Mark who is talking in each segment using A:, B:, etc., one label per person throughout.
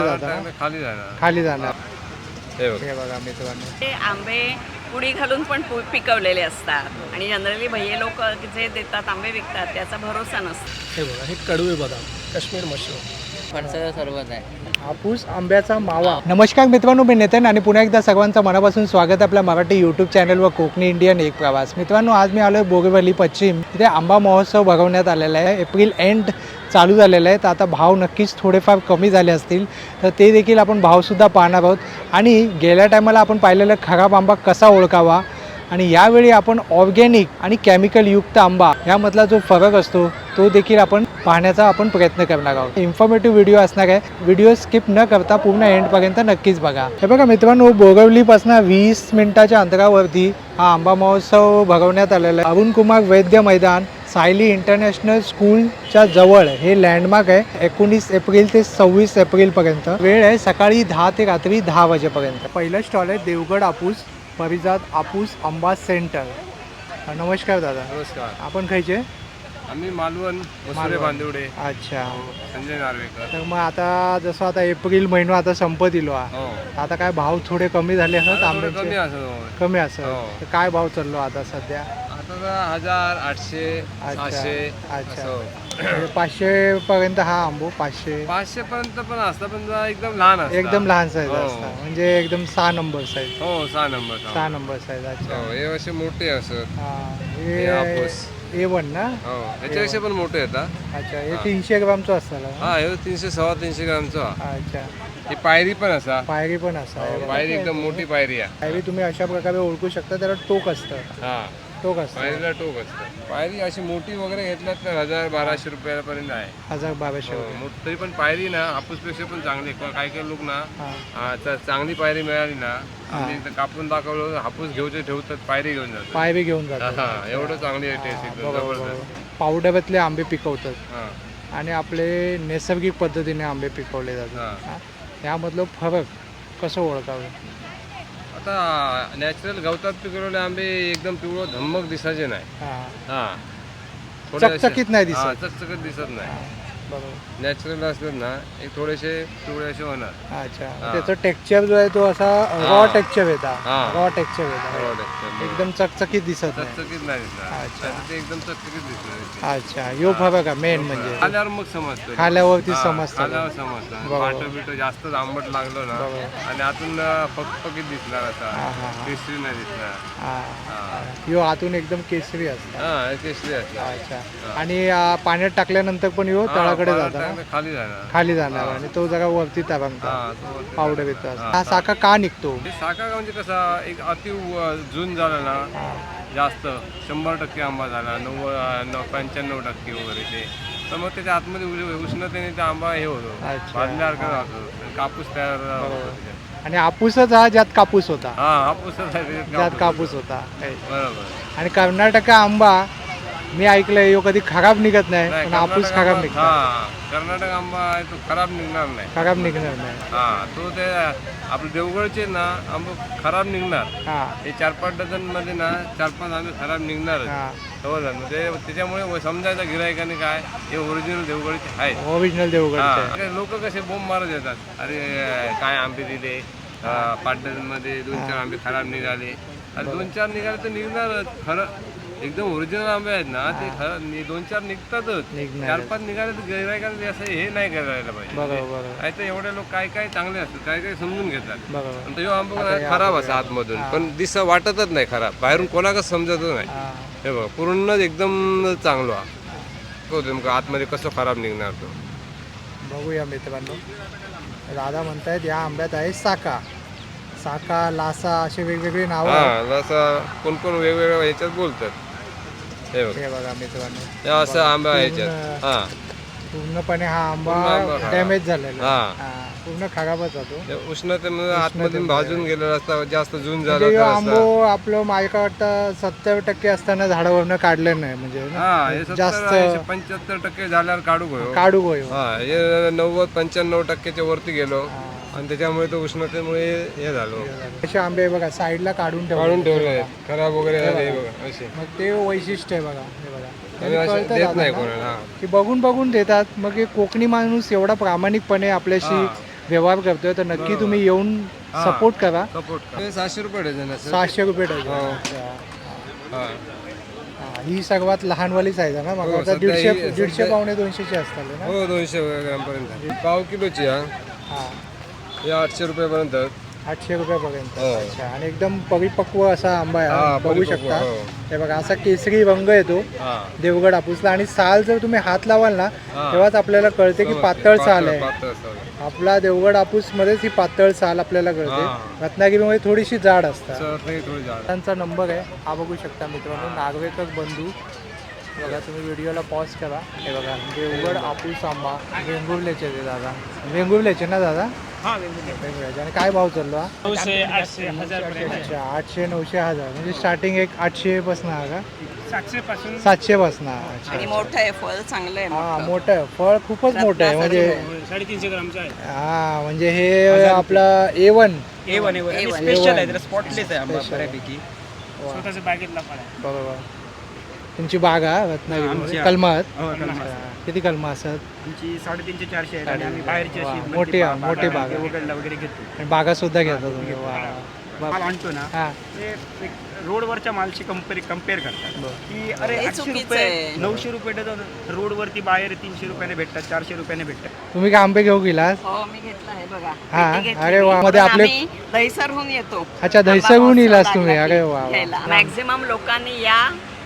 A: खाली जाणार.
B: खाली जाणार.
A: हे बघ.
B: हे बघा मित्रांनो,
C: ते आंबे पुडी घालून पण पिकवलेले असतात आणि जनरली भैये लोक जे देतात आंबे विकतात त्याचा भरोसा नसतो.
B: हे बघा, हे कडवे बदाम, काश्मीर मशरूम,
D: फणसाचं सरबत आहे.
B: हापूस आंब्याचा मावा. नमस्कार मित्रांनो, मी नितीन आणि पुन्हा एकदा सर्वांचं मनापासून स्वागत आपल्या मराठी यूट्यूब चॅनलवर कोकणी इंडियन एक प्रवास. मित्रांनो, आज मी आलो आहे बोरीवली पश्चिम. इथे आंबा महोत्सव भरवण्यात आलेला आहे. एप्रिल एंड चालू झालेला आहे. तर आता भाव नक्कीच थोडेफार कमी झाले असतील, तर ते देखील आपण भावसुद्धा पाहणार आहोत. आणि गेल्या टायमाला आपण पाहिलेलं खराब आंबा कसा ओळखावा आणि यावेळी आपण ऑर्गॅनिक आणि केमिकलयुक्त आंबा यामधला जो फरक असतो तो देखील आपण पाहण्याचा आपण प्रयत्न करणार आहोत. इन्फॉर्मेटिव्ह व्हिडिओ असणार आहे. व्हिडिओ स्किप न करता पूर्ण एंडपर्यंत नक्कीच बघा. हे बघा मित्रांनो, बोरिवलीपासून 20 मिनिटाच्या अंतरावरती हा आंबा महोत्सव भरवण्यात आलेला आहे. अरुण कुमार वैद्य मैदान, सायली इंटरनॅशनल स्कूलच्या जवळ हे लँडमार्क आहे. 19 एप्रिल ते 26 एप्रिलपर्यंत वेळ आहे. सकाळी 10 ते रात्री 10 वाजेपर्यंत. पहिलं स्टॉल आहे देवगड हापूस परिजात हापूस आंबा सेंटर. नमस्कार दादा.
A: नमस्कार.
B: आपण खायचे?
A: आम्ही मालवण मसुरे
B: मालवण.
A: बांदिवडे.
B: अच्छा.
A: संजय नार्वेकर.
B: तर मग आता जसं आता एप्रिल महिना आता संपत इलो हा.
A: हो.
B: आता काय भाव थोडे कमी झाले असतात
A: आता थोडं
B: आंब्याचे?
A: कमी असं.
B: कमी असं.
A: हो.
B: तर काय भाव चाललो आता सध्या?
A: आता 1000, 800,
B: अच्छा.
A: 600
B: अच्छा.
A: असं.
B: म्हणजे 500 पर्यंत हा आंबो 500
A: 500 पर्यंत पण असतं, पण जरा एकदम लहान असतं.
B: एकदम लहान साईज
A: हो.
B: असतात. म्हणजे एकदम 6 नंबर साईज.
A: हो, 6 नंबर.
B: 6 number size. अच्छा.
A: हो, हे असे मोठे असत.
B: हा.
A: हे हापूस.
B: A1 ना?
A: हो, याच्यापेक्षा पण मोठे येतात.
B: अच्छा. हे 300 ग्रामचं असतं.
A: हा, हे 300 350 ग्रामचा.
B: अच्छा.
A: ही पायरी पण असा.
B: पायरी पण असं.
A: पायरी एकदम मोठी पायरी आहे.
B: पायरी तुम्ही अशा प्रकारे ओळखू शकता. त्याला टोक असतं.
A: हा,
B: टोक असतं.
A: पायरीला टोक असतं. पायरी अशी मोठी वगैरे घेतल्यात तर 1000-1200 रुपयापर्यंत आहे.
B: 1200
A: हो, तरी पण पायरी ना हापूसपेक्षा पण चांगली. काही काही लोक ना
B: हा.
A: चांगली पायरी मिळाली ना, आम्ही एकदा कापून दाखवलं, हापूस घेऊचे ठेवतात, पायरी घेऊन जातात.
B: पायरी घेऊन जातात.
A: हा, एवढं चांगली आहे टेस्ट एकदम जबरदस्त.
B: पावडरातले आंबे पिकवतात
A: हा,
B: आणि आपले नैसर्गिक पद्धतीने आंबे पिकवले जातात.
A: हा.
B: हा. यामधलं फरक कसं ओळखावं?
A: आता नॅचरल गवतात पिकवलेले आंबे एकदम पिवळं धम्मक दिसायचे नाही.
B: हा.
A: हा, थोडे असे-
B: चकचकीत नाही
A: हा,
B: दिसत.
A: चकचकीत दिसत नाही.
B: हा. बरोबर.
A: नॅचरल असतात ना, एक थोडेसे पिवळे असे होणार.
B: अच्छा.
A: हा.
B: त्याचं टेक्स्चर जो आहे तो असा रॉ
A: हा.
B: टेक्स्चर येतात.
A: हा.
B: रॉ टेक्स्चर येतात. एकदम चकचकीत दिसत नाही.
A: चकचकीत नाही दिसणार.
B: अच्छा.
A: नाहीतर ते एकदम चकचकीत दिसणार.
B: अच्छा. यो फरक आहे मेन म्हणजे.
A: खाल्यावर मग समजतं.
B: खाल्यावरती
A: हा,
B: समजतं.
A: खाल्यावर समजतं.
B: बरोबर.
A: पाट बिट जास्त आंबट लागलं ना,
B: बरोबर.
A: आणि आतून फकफकीत दिसणार असा,
B: हा, हा, हा.
A: केसरी नाही दिसणार.
B: हा.
A: हा.
B: यो आतून एकदम केसरी असतात.
A: हा, केसरी असणार.
B: अच्छा. आणि पाण्यात टाकल्यानंतर पण यो
A: हा,
B: तळाकडे
A: पाण्यात
B: जातात.
A: टाकलं खाली जाणार.
B: खाली जाणार आणि तो जरा वरती तरंगतो.
A: हा, तो वरती
B: पावडर
A: जाणार.
B: येतो.
A: हा.
B: हा साखा का निघतो?
A: हे साखा म्हणजे कसा, एक अति जून झाला ना,
B: हा.
A: जास्त 100% आंबा झाला, 95% वगैरे ते, तर मग त्याच्या आतमध्ये उष्णतेने ते आंबा हे होतो,
B: अच्छा.
A: भाजल्यासारखं राहतो, कापूस तयार होतो
B: बरोबर.
A: त्याच्यात.
B: आणि हापूसच हा ज्यात कापूस होता.
A: हा, हापूसच आहे, त्याच्यात
B: ज्यात कापूस होता.
A: बरोबर.
B: आणि कर्नाटक आंबा मी ऐकलंय यो कधी खराब निघत नाही,
A: नाही,
B: पण हापूस
A: कर्नाटक
B: खराब
A: आंबा-
B: निघतो.
A: हा, कर्नाटक आंबा आहे तो खराब निघणार नाही.
B: खराब निघणार नाही.
A: हा, तो ते आपले देवगडचे ना आंबे खराब निघणार.
B: हा.
A: हे 4-5 डझन मध्ये ना 4-5 आंबे खराब निघणारच.
B: हा.
A: म्हणजे त्याच्यामुळे समजायचं गिरायकाने काय हे ओरिजिनल देवगडचे आहेत.
B: ओरिजिनल देवगडचे.
A: लोक कसे बोंब मारत येतात, अरे काय आंबे दिले, 5 डझन मध्ये 2-4 आंबे खराब निघाले. आणि 2-4 निघाले तर निघणारच. खरं एकदम ओरिजिनल आंबे आहेत ना, ते खरं 2-4 निघतातच.
B: निघणार.
A: 4-5 निघाले तर गिरायकाने असं हे नाही करायला पाहिजे.
B: बरोबर.
A: नाही तर एवढे लोक काय काय चांगले असतात, काय काय समजून घेतात.
B: बरोबर.
A: आणि तो आंबा खराब असा आतमधून, पण दिसा वाटतच नाही खराब, बाहेरून कोणाकच समजतच नाही.
B: हा.
A: हे बघ, पूर्ण एकदम चांगला तो नेमकं आतमध्ये कसं खराब निघणार तो.
B: बघूया मित्रांनो. दादा म्हणतायत या आंब्यात आहे साका, साका, लासा असे वेगवेगळे नाव आहेत.
A: हा, असं कोण कोण वेगवेगळ्या ह्याच्यात बोलतात. हे बघ,
B: हे बघा मित्रांनो,
A: हे असं आंबा आहे ह्याच्यात. हा,
B: पूर्णपणे हा
A: पूर्ण आंबा
B: आंबा
A: खराब.
B: डॅमेज झालेला आहे.
A: हा.
B: हा, पूर्ण खराबच होतो.
A: ते उष्णतेमुळे आतमधून भाजून गेलेलं असतं, जास्त जून झालं
B: म्हणजे
A: तर
B: आंबो
A: असं.
B: आपलं माझ्या वाटतं 70% असताना झाडावरनं काढलं नाही म्हणजे ना.
A: हा, हे
B: जास्त
A: 75% झाल्यावर काढू गयो.
B: काढू गयो.
A: हा, हे 90-95% वरती गेलो, आणि त्याच्यामुळे तो उष्णतेमुळे हे झालो.
B: असे आंबे बघा साईडला काढून
A: काढून
B: ठेवले.
A: ठेवले, खराब वगैरे झाले. हे बघा असे.
B: मग ते वैशिष्ट्य आहे बघा. हे बघा
A: आणि असे
B: कळतं
A: देत नाही
B: दादांना
A: कोणाला.
B: की बघून बघून देतात. मग हे कोकणी माणूस एवढा प्रामाणिकपणे आपल्याशी व्यवहार करतोय तर नक्की तुम्ही येऊन
A: हा.
B: सपोर्ट करा.
A: सपोर्ट 700 रुपये डझन आहे
B: 600 रुपये डझन.
A: हो.
B: अच्छा.
A: हा.
B: हा, ही सर्वात लहानवाली साईज आहे ना मग
A: हो,
B: आता
A: सध्या
B: 150 पावणे 200ची असतात ना.
A: हो 200 ग्रामपर्यंत पाव किलोची हा
B: हा,
A: हे 800 रुपयापर्यंत
B: 800 रुपयापर्यंत.
A: हो.
B: अच्छा. आणि एकदम परिपक्व असा आंबा आहे
A: हा,
B: हा, बघू
A: परिपक्व,
B: शकता.
A: हो.
B: हे बघा असा केसरी रंग येतो
A: हा
B: देवगड हापूसला आणि साल जर तुम्ही हात लावाल ना
A: हा.
B: तेव्हाच आपल्याला कळते की पातळ साल आहे.
A: पातळ साल.
B: आपला देवगड हापूस मध्येच ही पातळ साल आपल्याला कळते.
A: हा.
B: रत्नागिरीमध्ये थोडीशी जाड असतात.
A: सर थोडी जाड.
B: त्यांचा नंबर आहे हा बघू शकता मित्रांनो. नागवेकर बंधू बघा तुम्ही व्हिडिओला पॉज करा. हे बघा देवगड हापूस आंबा वेंगुर्ल्याचे ते दादा. वेंगुर्ल्याचे ना दादा. वेंगुर्ल्याचे. आणि काय भाव चाललो हा?
D: 900, 800, 1000 पर्यंत आहे.
B: अच्छा 800 900 1000 म्हणजे स्टार्टिंग एक 800 पासून आहे का
D: 700 पासून
B: 700 पासून. अच्छा.
C: आणि मोठं आहे फळ चांगलं आहे
B: हा
C: मोठं.
B: मोठं आहे फळ खूपच मोठं आहे म्हणजे
D: 350 ग्रामचं आहे.
B: हा म्हणजे हे आपला A1
D: A1
C: A1.
D: स्पेशल आहे, स्पॉटलेस आहे आंबा
B: Special.
D: बऱ्यापैकी. स्वतःच्या बागेतला फळ आहे.
B: बरोबर. तुमची बाग आहे रत्नागिरी
D: आमची आहे.
B: कलमात.
D: हो, कलमात.
B: अच्छा. किती कलमा असतात?
D: आमची 350 400 आहेत आणि आम्ही बाहेरची
B: वा,
D: अशी
B: मोठी आहे, मोठी बाग आहे.
D: देवगडला वगैरे घेतो.
B: आणि बागा सुद्धा घेता तुम्ही. वा.
D: माल आणतो ना
B: हा
D: ते एक रोडवरच्या मालशी कम्पेअर करतात
B: बरं.
D: की अरे
C: हे
D: 800
C: चुकीचं
D: रुपये
C: आहे.
D: 900 रुपये डझन रोडवरती बाहेर 300 रुपयाने भेटतात 400 रुपयाने भेटतात.
B: तुम्ही काय आंबे घेऊ गेलास?
C: हो मी घेतला आहे बघा.
B: हा,
C: पेटी घेतली
B: अरे
C: मी.
B: वा, मध्ये
C: पण
B: आपले-
C: आम्ही दहिसरहून येतो.
B: अच्छा दहिसरहून
C: आंबा
B: येलास
C: महोत्सव
B: तुम्ही.
C: लागला
B: अरे
C: की
B: वा, वा.
C: घ्यायला. मॅक्झिमम लोकांनी या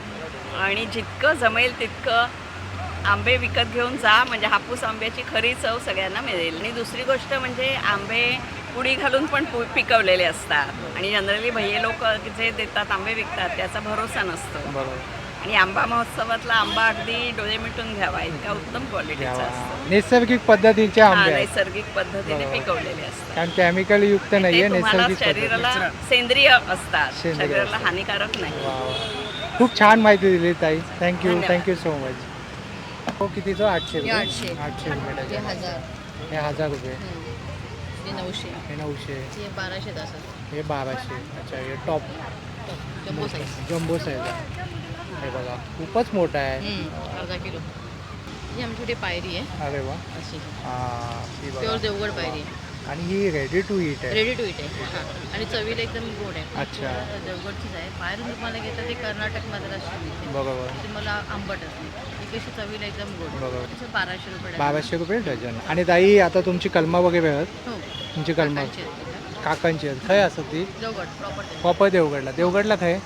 C: आणि जितकं जमेल तितकं आंबे विकत घेऊन जा म्हणजे हापूस आंब्याची खरी चव सगळ्यांना मिळेल. आणि दुसरी गोष्ट म्हणजे आंबे पुडी घालून पण पिकवलेले असतात आणि जनरली भैये लोक जे देतात आंबे विकतात त्याचा भरोसा नसतो.
B: बरोबर.
C: आणि आंबा महोत्सवातला आंबा अगदी डोळे मिटून घ्यावा इतका उत्तम क्वालिटीचा असतो.
B: नैसर्गिक पद्धतीचे
C: हा,
B: आंबे आहेत
C: नैसर्गिक पद्धतीने
B: बरोबर.
C: पिकवलेले असतात.
B: कारण केमिकल युक्त
C: ते
B: नाहीये.
C: तुम्हाला
B: नैसर्गिक पद्धती.
C: शरीराला सेंद्रिय असतात.
B: सेंद्रिय
C: शरीराला
B: असतात.
C: हानिकारक नाही.
B: वा, वा. खूप छान माहिती दिली ताई. थँक्यू
C: धन्यवाद.
B: Thank you so much. हो कितीचं? 800 रुपये.
E: 800.
B: 800 रुपये
E: हे
B: डझन.
E: 1000
B: हे 1000 रुपये.
E: हे 900
B: हे 900.
E: हे 1200 असं
B: हे 1200. अच्छा हे top
E: jumbo size
B: jumbo size आहे. हे बघा खूपच मोठा आहे.
E: अर्धा किलो. ही आमची छोटी पायरी आहे
B: अरे वा.
E: अशी
B: हां ती बघा.
E: प्युअर देवगड पायरी आहे.
B: आणि ही रेडी टू ईट आहे.
E: रेडी टू इट आहे. हां आणि चवीला एकदम गोड आहे.
B: अच्छा.
E: देवगडचीच आहे. बाहेरून तुम्हाला घेतात ते कर्नाटकमध्ये अशी मिळते.
B: बरोबर.
E: ती मला आंबट असते. ही कशी चवीला एकदम गोड आहे.
B: बरोबर.
E: त्याचं 1200 रुपये डझन.
B: 1200 रुपये डझन. आणि ताई आता तुमची कलमा वगैरे आहेत?
E: हो
B: तुमची कलमा
E: काकांची आहेत तिथं.
B: काकांची आहेत. खय असं ती
E: देवगड प्रॉपर
B: प्रॉपर देवगडला. देवगडला खय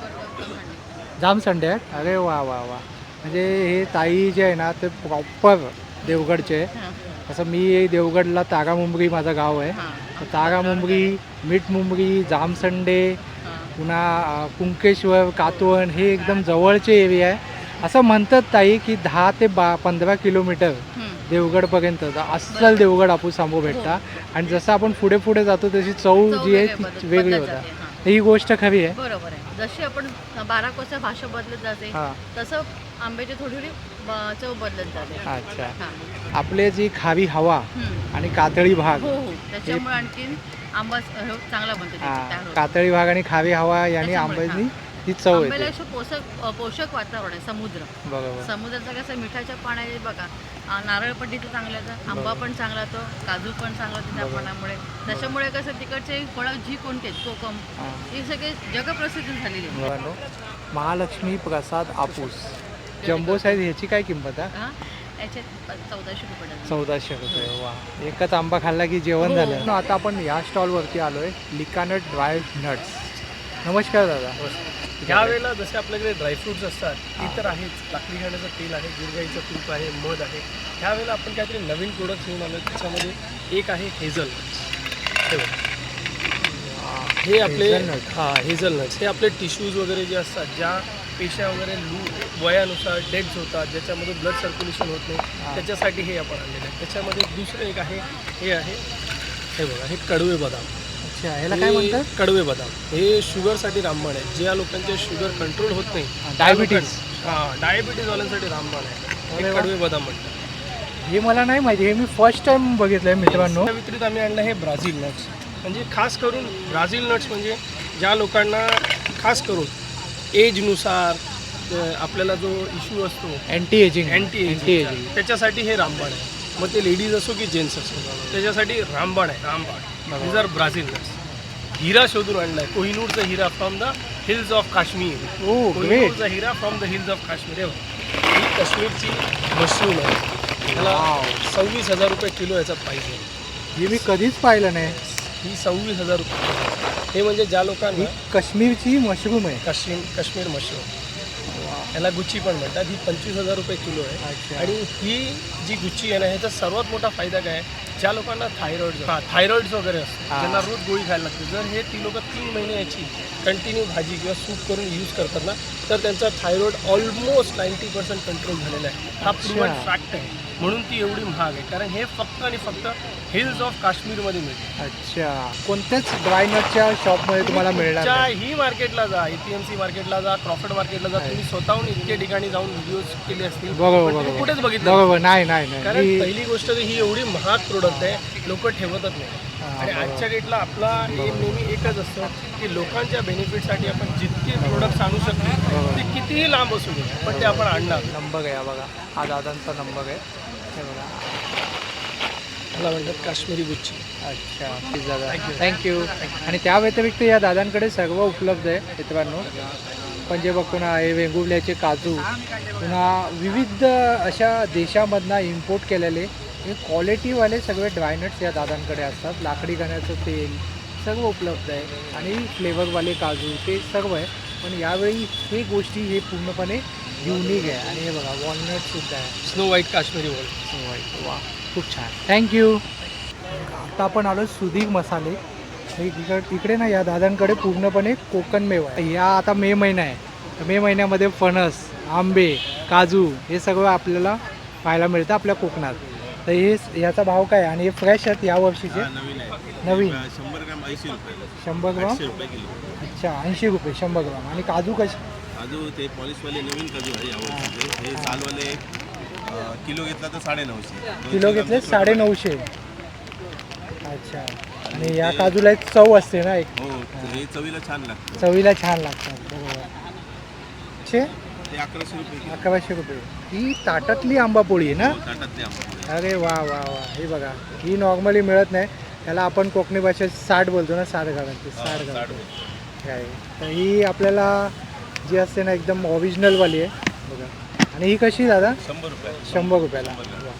B: जाम संडे आहेत. अरे वा वा वा. म्हणजे हे ताई जे आहे ना ते प्रॉपर देवगडचे.
E: हां
B: असं मी देवगडला तारा मुंबरी माझं गाव आहे.
E: हां
B: तर तारा मुंबरी, मीठ मुंबरी, जामसंडे,
E: हां
B: पुन्हा कुंकेश्वर, कातवण हे एकदम जवळचे एरिया आहे. असं म्हणतात ताई की 10 ते 15 किलोमीटर देवगडपर्यंत अस्सल देवगड हापूस आंबो भेटता. आणि जसं आपण पुढे पुढे जातो तशी चव जी आहे ती वेगळी होता. ही गोष्ट खरी आहे.
E: बरोबर आहे. जशी आपण 12 कोसा भाषा बदलत जाते
B: हां
E: तसं आंब्याची थोडी थोडी चव बदलत जाते.
B: अच्छा.
E: हां.
B: आपले जी खावी हवा आणि कातळी भाग.
E: हो हो त्याच्यामुळे आणखीन आंबा चांगला बनतो त्याची
B: हां
E: तयार होतो.
B: कातळी भाग आणि खावी हवा यांनी
E: त्याच्यामुळे,
B: आंब्याची ती चव
E: आंब्याला
B: येते.
E: असं पोषक वातावरण आहे. समुद्र
B: बरोबर.
E: समुद्राचं कसं मिठाच्या पाण्याने बघा नारळ पण तिथं चांगला येतं. आंबा पण चांगला होतो. काजू पण चांगला होतो त्या पाण्यामुळे. त्याच्यामुळे कसं तिकडचे फळं जी कोणते आहेत, कोकम
B: हां.
E: हे सगळे जगप्रसिद्ध झालेले आहेत.
B: मित्रांनो, महालक्ष्मी प्रसाद हापूस जम्बो साईज ह्याची काय किंमत आहे?
E: हां याच्यात 1400 रुपये डझन.
B: 1400 रुपये. वा. एकच आंबा खाल्ला की जेवण
E: हो.
B: झालं. आता आपण या स्टॉलवरती आलोय लिकानट ड्राय नट्स. नमस्कार दादा.
D: ह्यावेळेला जसे आपल्याकडे ड्रायफ्रुट्स असतात ते तर आहेच. लाकडी घाण्याचं तेल आहे, गिरगाईचं तूप आहे, मध आहे. ह्यावेळेला आपण काहीतरी नवीन प्रोडक्ट घेऊन आलो. त्याच्यामध्ये एक आहे हे आपले
B: Hazelnut.
D: हेझलनट्स. हे आपले टिश्यूज वगैरे जे असतात, ज्या पेशा वगैरे वयानुसार डेड्स होतात, ज्याच्यामधून ब्लड सर्क्युलेशन होत नाही, त्याच्यासाठी हे आपण आणलेलं आहे. त्याच्यामध्ये दुसरं एक आहे, हे बघा, हे कडवे बदाम.
B: अच्छा ह्याला काय म्हणतात?
D: कडवे बदाम. हे शुगरसाठी रामबाण आहे. ज्या लोकांचे शुगर कंट्रोल होत नाही,
B: डायबिटीज.
D: डायबिटीजवाल्यांसाठी रामबाण आहे.
B: अरे
D: हे
B: वा.
D: कडवे बदाम म्हणतात.
B: हे मला नाही माहिती. हे मी फर्स्ट टाइम बघितलंय मित्रांनो.
D: त्या व्यतिरिक्त आम्ही आणलं हे ब्राझील नट्स. म्हणजे खास करून ब्राझील नट्स म्हणजे ज्या लोकांना खास करून एजनुसार आपल्याला जो इश्यू असतो
B: अँटी एजिंग.
D: अँटी एजिंग, त्याच्यासाठी हे रामबाण आहे. मग ते लेडीज असो की जेंट्स असो. त्याच्यासाठी रामबाण आहे, रामबाण. This are Brazil nuts. हिरा शोधून आणलाय, कोहिनूरचा हिरा from the hills of Kashmir. कोहिनूरचा हिरा from the hills of Kashmir. ही काश्मीरची मशरूम आहे, त्याला 26,000 रुपये किलो याचा प्राईस आहे.
B: हे मी कधीच पाहिलं नाही.
D: ही 26,000 रुपये. हे म्हणजे ज्या लोकांना
B: ही काश्मीरची मशरूम आहे.
D: काश्मीर मशरूम, याला गुच्ची पण म्हणतात. ही 25,000 रुपये किलो आहे.
B: अच्छा.
D: आणि ही जी गुच्ची आहे ना, ह्याचा सर्वात मोठा फायदा काय आहे, ज्या लोकांना थायरॉइड्स वगैरे असतात,
B: हां.
D: ज्यांना रोज गोळी खायला लागते, जर हे ती लोक 3 महिने याची कंटिन्यू भाजी किंवा सूप करून यूज करतात ना, तर त्यांचा थायरॉइड ऑलमोस्ट 90% कंट्रोल झालेला आहे. हा प्रूव्हन फॅक्ट आहे. म्हणून ती एवढी महाग आहे, कारण हे फक्त आणि फक्त हिल्स ऑफ काश्मीरमध्ये मिळते.
B: अच्छा. कोणत्याच ड्रायनटच्या शॉपमध्ये तुम्हाला मिळणार नाही.
D: ही मार्केटला जा, APMC मार्केटला जा, क्रॉफर्ड मार्केटला जा, तुम्ही स्वतःहून इतके ठिकाणी जाऊन व्हिडिओज केले असतील,
B: बरोबर
D: पण तुम्ही
B: बरोबर
D: कुठेच बघितलं
B: बरोबर. नाही नाही नाही
D: कारण
B: ही-
D: पहिली गोष्ट तर ही एवढी महाग प्रोडक्ट आहे, लोक ठेवतच नाही. आणि आजच्या डेटला आपला एम नेहमी एकच असतं की लोकांच्या बेनिफिटसाठी आपण जितके प्रोडक्ट्स आणू शकतो ते कितीही लांब असू दे, पण ते आपण आणणार.
B: नंबर आहे हा बघा, हा दादांचा नंबर आहे. हे बघा.
D: मला म्हणतात काश्मीरी गुच्ची.
B: अच्छा ठीक दादा, थँक्यू. आणि त्या व्यतिरिक्त या दादांकडे सर्व उपलब्ध आहे मित्रांनो. पण जे बघतो ना, हे वेंगुर्ल्याचे काजू, पुन्हा विविध अशा देशामधनं इम्पोर्ट केलेले हे क्वालिटीवाले सगळे ड्रायनट्स या दादांकडे असतात. लाकडी घाण्याचं तेल सर्व उपलब्ध आहे आणि फ्लेवरवाले काजू ते सर्व आहे. पण यावेळी हे गोष्टी हे पूर्णपणे युनिक आहे. आणि हे बघा वॉलनटसुद्धा आहे.
D: स्नो व्हाईट काश्मीरी वॉल.
B: वा खूप छान, थँक्यू. आता आपण आलो सुधीर मसाले. इकडे ना या दादांकडे पूर्णपणे कोकण मेवा आहे. या आता मे महिना आहे, तर मे महिन्यामध्ये फणस, आंबे, काजू हे सगळं आपल्याला पाहायला मिळतं आपल्या कोकणात. तर हे याचा भाव काय आहे? आणि हे फ्रेश आहेत या वर्षीचे? नवीन
F: 100 ग्राम 80 रुपये.
B: 100 ग्राम.
F: 80 रुपये किलो.
B: अच्छा 80 रुपये 100 ग्राम. आणि काजू कसे?
F: काजू ते पॉलिशवाले नवीन काजू आहे यावर्षीचे. हे सालवाले किलो घेतला तर 950.
B: किलो घेतले 950. अच्छा. आणि या काजूला एक चव असते ना, एक
F: हो, हे चवीला छान लागतं.
B: चवीला छान लागतात. बरोबर. छे
F: ते 1100 रुपये किलो.
B: 1100 रुपये. ही ताटातली आंबापोळी आहे ना?
F: हो, ताटातले आंबे.
B: अरे वा वा वा. हे बघा, ही नॉर्मली मिळत नाही. त्याला आपण कोकणी भाषेत 60 बोलतो ना, 60 घालायची. 60 घालायची काय. तर ही आपल्याला जी असते ना एकदम ओरिजिनलवाली आहे बघा. आणि ही कशी दादा?
F: 100 रुपये.
B: 100 रुपयाला.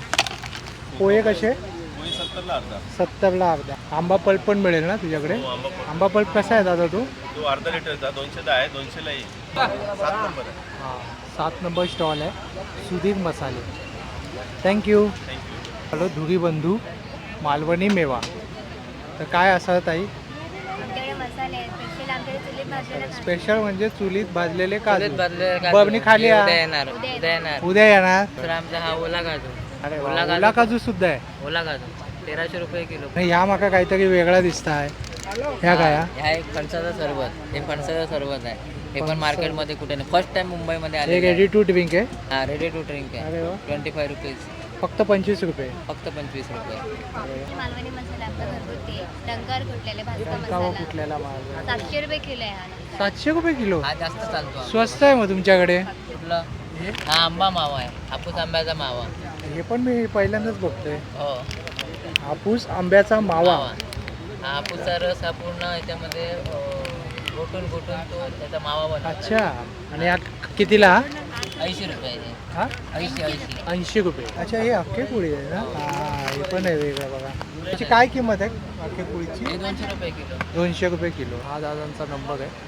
B: पोहे कसे?
F: पोहे 70ला अर्धा.
B: 70ला अर्धा. आंबा पल्प पण मिळेल ना तुझ्याकडे?
F: हो, आंबा पण.
B: आंबा पल्प कसा आहे दादा तो?
F: तो अर्धा लिटरचा 210 आहे. 200ला येईल. 7 नंबर आहे.
B: हां 7 नंबर स्टॉल आहे सुधीर मसाले. थँक्यू. हॅलो धुरी बंधू मालवणी मेवा. तर काय असं ताई?
G: आमच्याकडे मसाले आहेत स्पेशल. आमच्याकडे चुलीत भाजलेला
B: स्पेशल म्हणजे चुलीत भाजलेले काजू.
H: बरणी
B: बरणी खाली या.
H: येणार
B: उद्या येणार.
H: तर आमचा हा ओला काजू.
B: अरे वा,
H: ओला काजू.
B: ओला काजू सुद्धा आहे.
H: ओला काजू 1300 रुपये किलो.
B: आणि ह्या माका काहीतरी वेगळा दिसत आहे. ह्या काय हा?
H: हा एक फणसाचा सरबत. हे फणसाचा सरबत आहे. हे पण मार्केटमध्ये कुठे नाही. फर्स्ट टाइम मुंबईमध्ये
B: हे
H: आले.
B: रेडी टू ड्रिंक आहे.
H: हा रेडी टू ड्रिंक आहे.
B: अरे वा.
H: 25 रुपीज.
B: फक्त 25 रुपये.
H: फक्त 25 रुपये.
G: मालवणी मसाला आपला घरगुती डंगर कुटलेले भाजका
B: कावा
G: मसाला
B: कुठल्याला माल?
G: 700 रुपये किलो आहे हा नंतर.
B: 700 रुपये किलो.
H: हा जास्त चालतो.
B: स्वस्त आहे मग तुमच्याकडे.
H: कुठलं? हा आंबा मावा आहे. हापूस आंब्याचा मावा.
B: हे पण मी पहिल्यांदाच बघतोय.
H: हो
B: हापूस आंब्याचा मावा.
H: हा हापूसचा रस हा पूर्ण याच्यामध्ये घोटून तो त्याचा मावा बनतो.
B: अच्छा. आणि हा कितीला?
H: 80 रुपयाचे.
B: हा 80 रुपये. अच्छा हे अख्खे पोळी आहे ना? हा हे पण आहे वेगळं बघा. त्याची काय किंमत आहे अख्खे पोळीची?
H: हे 200 रुपये किलो.
B: 200 रुपये किलो. हा दादांचा नंबर आहे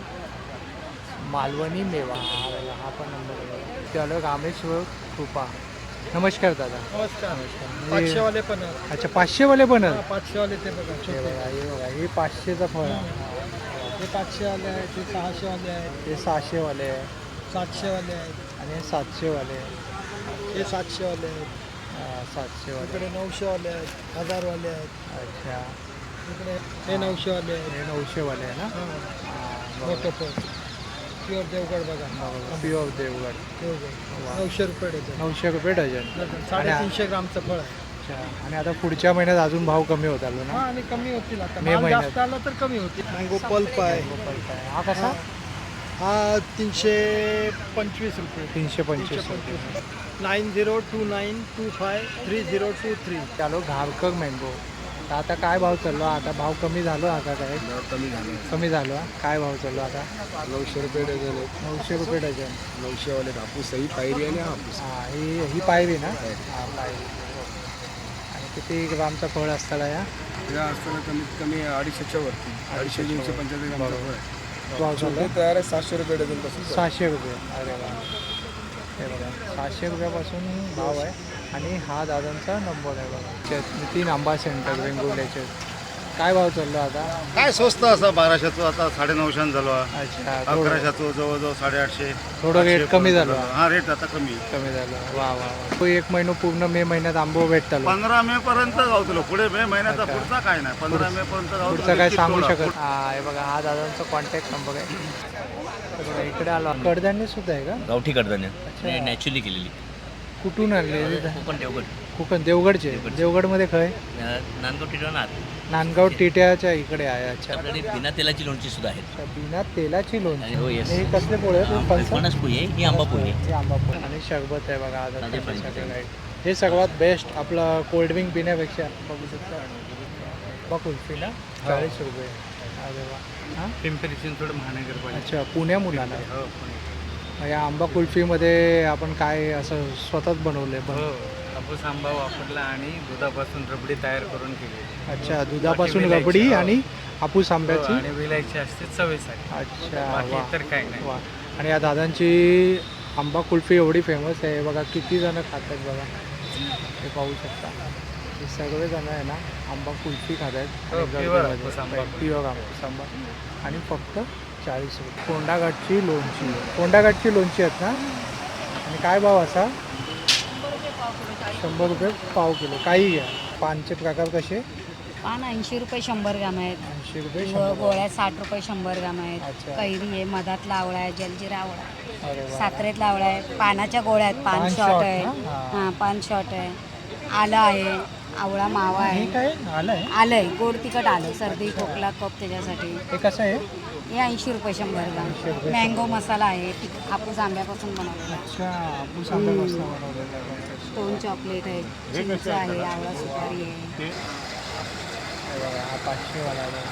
B: मालवणी मेवा. हा बघा, हा पण नंबर आहे. त्याला रामेश्वर कृपा. नमस्कार दादा.
D: नमस्कार.
B: नमस्कार.
D: 500 वाले पण आहेत.
B: अच्छा 500 वाले पण आहेत.
D: 500 वाले ते बघा
B: हे
D: छोटे.
B: बघा हे बघा हे 500चा फळ आहे.
D: हे 500 वाले आहेत, हे 600 वाले आहेत,
B: हे 600 वाले आहे
D: 700 वाले आहेत,
B: आणि हे 700 वाले आहे.
D: हे 700 वाले आहेत,
B: 700 वाले.
D: इकडे 900 वाले आहेत, 1000 वाले आहेत,
B: अच्छा
D: इकडे हे 900 वाले आहेत.
B: हे 900 वाले आहे ना?
D: हां मोठं पण प्युअर देवगड बघा.
B: प्युअर देवगड.
D: देवगड 900 रुपये डझन.
B: 900 रुपये डझन.
D: 350 ग्रामचं फळ आहे.
B: अच्छा. आणि आता पुढच्या महिन्यात अजून भाव कमी होत आलो
D: हा
B: ना?
D: आणि कमी होतील आता.
B: मे
D: माल
B: महिन्यात.
D: जास्त आला तर कमी होतील. मँगो पल्प आहे.
B: हा कसा?
I: हा 325 रुपये.
B: 325
I: 9029253023.
B: चालो घारकर मँगो. तर आता काय भाव चाललो? आता भाव कमी झालो आता काय? कमी झालो हा? काय भाव चाललो आता?
A: 900 रुपये डझन आहे.
B: 900 रुपये डझन.
A: 900 वाले हापूस ही पायरी आणि हापूस.
B: हां ही पायरी ना? हां पायरी. आणि किती ग्रामचा फळ असताना या?
A: या असताना कमीत कमी 250च्या वरती. 250-275 ग्रामचा फळ आहे.
B: भाव चाललो
A: तयार आहे 700 रुपये डझन पासून.
B: 600 रुपये. अरे वा, हे बघा 600 रुपयापासून भाव आहे. आणि हा दादांचा नंबर आहे बघा. नितीन आंबा सेंटर वेंगुर्ल्याचे. काय भाव चाललो आता?
J: काय स्वस्त असं 1200चं आता 950 झालो.
B: अच्छा
J: 1100चं जवळजवळ 850.
B: थोडं रेट कमी झालो.
J: हा रेट आता कमी
B: झालं. वा वा वा. तो 1 महिना पूर्ण मे महिन्यात आंबो भेटतो.
J: 15 मे पर्यंत गावतलो. पुढे मे महिन्याचा पुढचा काय नाही. 15 मे पर्यंत
B: पुढचं काय सांगू शकत. हा हे बघा हा दादांचा कॉन्टॅक्ट नंबर आहे. हे बघा इकडे आलो. कडधान्य सुद्धा आहे का?
K: गावठी कडधान्य नॅचरली केलेली.
B: कुठून आणले?
K: कोकण देवगड.
B: कोकण देवगडचे. देवगडमध्ये खय?
K: नांदगाव टिटवणार.
B: नांदगाव टिट्याच्या इकडे आहे. अच्छा
K: आपल्याकडे बिना तेलाची लोणची सुद्धा आहेत.
B: बिना तेलाची लोणची.
K: हो येस.
B: हे कसले पोळे आहेत?
K: फणस पोळी आहे ही आंबा पोळी आहे.
B: हे आंबा पोळे आणि शरबत आहे बघा आज. हे सर्वात बेस्ट आपलं कोल्ड्रिंक पिण्यापेक्षा बघू शकता. आंबा कुल्फी ना 40 रुपये. अरे वा. हां
I: पिंपरी चिंचवड महानगरपालिका.
B: अच्छा पुण्या मुलाला. या आंबा कुल्फीमध्ये आपण काय असं स्वतःच बनवलं आहे?
I: हापूस आंबा वापरला आणि दुधापासून रबडी तयार करून केली.
B: अच्छा दुधापासून रबडी आणि हापूस आंब्याची
I: आणि विलायची असते चवीसाठी.
B: अच्छा
I: बाकी
B: वा
I: तर काय नाही.
B: वा. आणि या दादांची आंबा कुल्फी एवढी फेमस आहे बघा. किती जण खातात बघा. हे पाहू शकता. हे सगळे जण आहे ना आंबा कुल्फी खात आहेत.
I: प्युअर हापूस आंबा.
B: प्युअर हापूस आंबा आणि फक्त 40 रुपये. कोंडाघाटची लोणची. कोंडाघाटची लोणची आहेत ना. आणि काय भाव असा? 100 रुपये पाव किलो. काही घ्या. पानचे प्रकार कसे?
E: पान 80 रुपये 100 ग्राम आहेत.
B: 80 रुपये
E: गोळ्या 60 रुपये 100 ग्राम आहेत.
B: अच्छा.
E: कैरी आहे, मधातला आवळा आहे, जलजिरा आवळा आहे,
B: अरे वा.
E: साखरेतला आवळा आहे, पानाच्या गोळ्या आहेत, पान
B: पान
E: शॉट
B: शॉट
E: आहे.
B: ना?
E: हां पान शॉट आहे, आलं आहे, आवळा मावा
B: हे
E: आहे,
B: काय आलं आहे?
E: आलं आहे, गोड तिखट आलं, सर्दी खोकला कप त्याच्यासाठी.
B: हे कसं आहे?
E: हे 80 रुपये 100 ग्राम.
B: 80 रुपये.
E: मँगो मसाला आहे, हापूस आंब्यापासून बनवलेला.
B: अच्छा हापूस आंब्यापासून बनवलेलं आहे.
E: स्टोन चॉकलेट आहे, चिंच आहे, आवळा सुपारी आहे.
B: हे बघा हा 500 वाला आहे.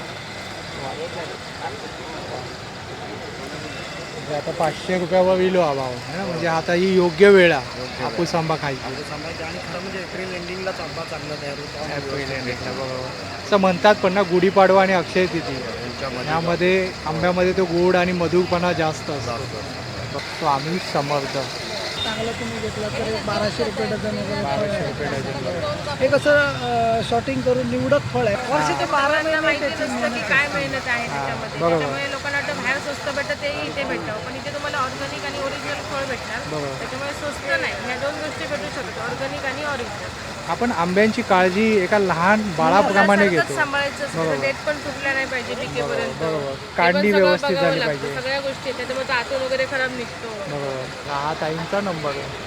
B: म्हणजे आता 500 रुपयावर विलो हा भाव आहे ना. म्हणजे आता ही योग्य वेळ आहे हापूस आंबा खायची.
D: आणि खरं म्हणजे एप्रिल एंडिंगलाच आंबा चांगला तयार होतो.
B: एप्रिल एंडिंगला बरोबर. असं म्हणतात पण ना गुढीपाडवा आणि अक्षय तिथी यामध्ये आंब्यामध्ये तो गोड आणि मधुरपणा जास्त असतो. स्वामी समर्थ.
I: चांगलं तुम्ही घेतलं तर 1200 रुपये डझन वगैरे.
B: 1200 रुपये डझन.
I: हे कसं शॉर्टिंग करून निवडक फळ आहे. वर्ष ते 12 महिने त्याची मेहनत
L: काय मेहनत आहे त्याच्यामध्ये.
B: बरोबर.
L: त्याच्यामुळे लोकांना वाटतं बाहेर स्वस्त भेटतं ते इथे भेटतं, पण इथे तुम्हाला ऑर्गॅनिक आणि ओरिजिनल फळ भेटणार.
B: बरोबर.
L: त्याच्यामुळे स्वस्त नाही. ह्या दोन गोष्टी भेटू शकतात, ऑर्गॅनिक आणि ओरिजिनल.
B: आपण आंब्यांची काळजी एका लहान बाळाप्रमाणे घेतो.
L: सांभाळायचं असतं, डेट पण तुटल्या नाही पाहिजे पिकेपर्यंत.
B: बरोबर. काढणी व्यवस्थित झाली पाहिजे.
L: सगळ्या गोष्टी त्याच्यामुळे तो आतून वगैरे खराब निघतो.
B: बरोबर. हा ताईंचा नंबर आहे.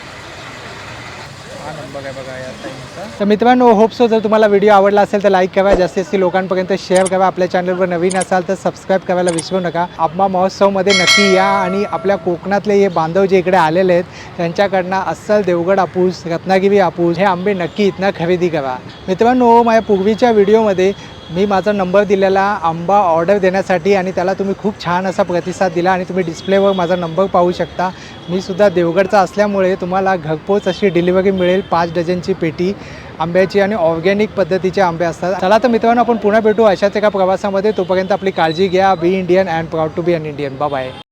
B: हा नंबर आहे बघा या ताईंचा. तर मित्रांनो होप सो जर तुम्हाला व्हिडिओ आवडला असेल तर लाईक करा, जास्तीत जास्त लोकांपर्यंत शेअर करा. आपल्या चॅनलवर नवीन असाल तर सबस्क्राईब करायला विसरू नका. आंबा महोत्सवमध्ये नक्की या आणि आपल्या कोकणातले हे बांधव जे इकडे आलेले आहेत त्यांच्याकडनं अस्सल देवगड हापूस, रत्नागिरी हापूस हे आंबे नक्की इथनं खरेदी करा. मित्रांनो माझ्या पूर्वीच्या व्हिडिओमध्ये मी माझा नंबर दिलेला आंबा ऑर्डर देण्यासाठी आणि त्याला तुम्ही खूप छान असा प्रतिसाद दिला आणि तुम्ही डिस्प्लेवर माझा नंबर पाहू शकता. मी सुद्धा देवगडचा असल्यामुळे तुम्हाला घरपोच अशी डिलिव्हरी मिळेल. 5 डझनची पेटी आंब्याची आणि ऑर्गॅनिक पद्धतीचे आंबे असतात. चला तर मित्रांनो आपण पुन्हा भेटू अशाच एका प्रवासामध्ये. तोपर्यंत आपली काळजी घ्या. Be Indian and proud to be an Indian. Bye bye.